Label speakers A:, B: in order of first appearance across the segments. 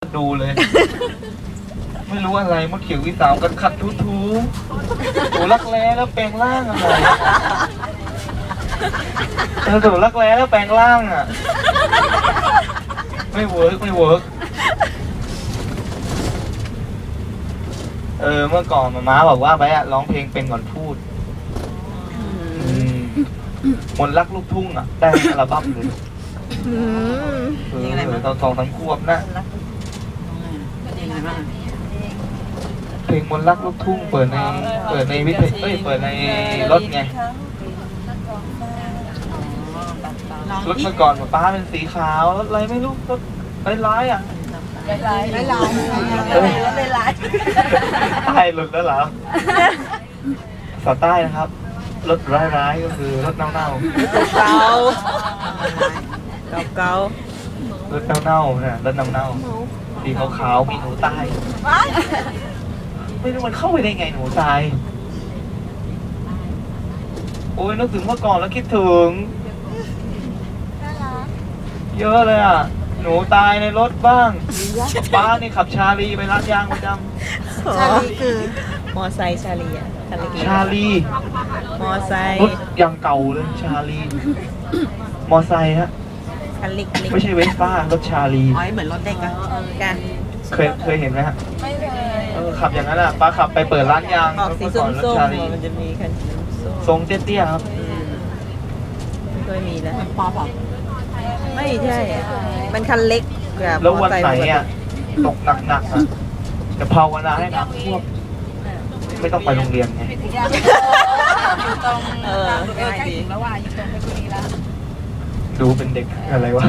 A: ดูเลย ไม่รู้อะไรมดเขียววิสาวกันขัดทูโอ้รักแร้แล้วแปลงร่างอะไรถูรักแร้แล้วแปลงร่างอ่ะไม่เวิร์กเมื่อก่อนม้าบอกว่าไปอะร้องเพลงเป็นก่อนพูดมนต์รักลูกทุ่งอ่ะได้อัลบั้มเลยตอน2-3 ขวบนะเพลงมนต์รักลูกทุ่งเปิดในวิทยุเปิดในรถไงรถเมื่อก่อนป้าเป็นสีขาวรถอะไรไม่รู้รถร้ายอ่ะใต้หลุดแล้วเหรอภาษาใต้นะครับรถร้ายก็คือรถเน่ารถเน่าเนี่ยรถเน่าสีขาวมีหนูตายไม่รู้มันเข้าไปได้ไงหนูตายโอ้ยนึกถึงเมื่อก่อนแล้วคิดถึงเยอะเลยอ่ะหนูตายในรถบ้างป้านี่ขับชาลีไปร้านยางประจำ
B: ชาลีคือมอไซค์ชาลีอ่ะ
A: ชาลี
B: มอไซค์
A: รถยังเก่าเลยชาลีมอไซค์ฮะไม่ใช่เวสป้ารถชาลี
B: เหมือนรถเด็กอะกัน
A: เคยเห็นไหมฮะขับอย่างนั้นอ่ะป้าขับไปเปิดร้านยาง
B: ออกสีส้มๆมันจะมีคัน
A: ทรงเตี้ยๆครับ
B: ไม่เคยมีแล้วปอบอกไม่ใช่มันคันเล็ก
A: แล้ววันไหนอ่ะตกหนักๆอ่ะจะภาวนาให้น้ำท่วมไม่ต้องไปโรงเรียนไงดูเป็นเด็กอะไรวะ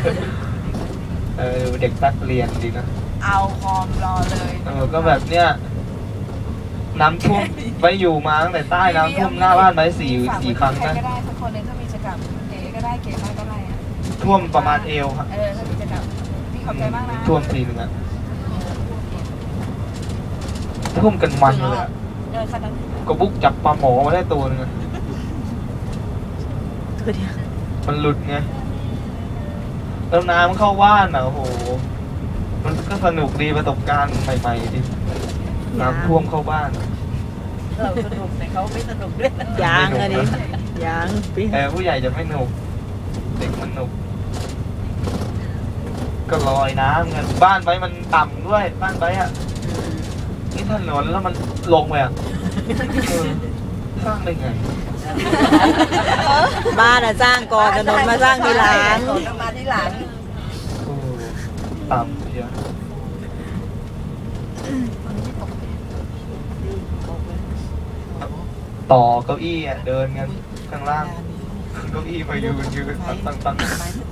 A: เด็กนักเรียนดีนะ
C: เอาคอมรอเลย
A: ก็แบบเนี้ยน้ำท่วมไปอยู่มาตั้งแต่ใต้น้ำท่วมหน้าบ้านไป4 ครั้งนะ
C: ก็ได้สักคนนึงถ้ามีกิจกรรมเก๋ก็ได้เก๋มากก็ได้
A: ท่วมประมาณเอวครับ
C: ถ้ามีกิจกรรมพี่ขอบใจมากนะ
A: ท่วมทีนึงอ่ะท่วมกันมันเลยก็บุกจับปลาหมอมาได้ตัวนึงมันหลุดไงแล้วน้ำเข้าบ้านอ่ะโอ้โหมันก็สนุกดีประสบการณ์ใหม่ๆดิน้ำท่วมเข้าบ้าน
C: เราสนุกแต่เขาไม่สนุกด้วย
B: ยางอะดิยาง
A: ผู้ใหญ่จะไม่สนุกเด็กมันสนุกก็ลอยน้ำกันบ้านไปมันต่ำด้วยบ้านไปอ่ะนี่ถนนแล้วมันลงไปอ่ะสร้างได้ไง
B: บ้านอะสร้างก่อนถนนมาสร้างทีหลัง
C: มาทีหลัง
A: ต่ำเยอะต่อเก้าอี้อ่ะเดินกันข้างล่างเก้าอี้ไปยืนตั้ง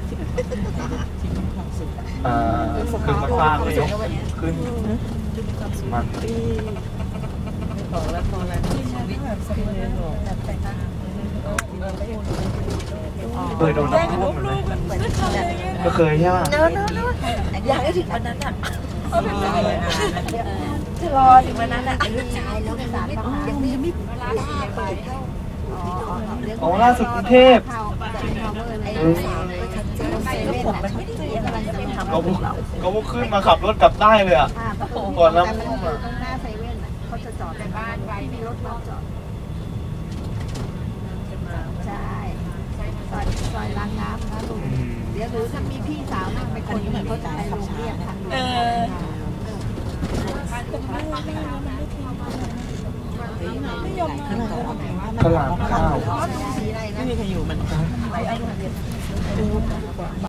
A: ขึ้นมาฟางเลยยกขึ้นมันเคยโดนน้ำท่วมไหมก็เคยใช่ไหม
C: อยากให้ถึงวันนั้นอ่ะจะรอถึงวันนั้นอ่ะลูกชายแล้วสารยังไม่ไป
A: อ๋อล่าสุดกรุงเทพก็พวกขึ้นมาขับรถกลับได้เลยอ่ะก่อนน้ำท่วมอ่ะ
C: เขาจะจอดในบ้านไว้มีรถมาจอดใช่ซอยล้างน้ำนะลุงเดี๋ยวหรือถ้ามีพี่สาวนั่งไปคนเหมือนเขาจะไปโรงเรียนทาง
A: พลาดข้าว
B: ไม่มีใครอยู่มัน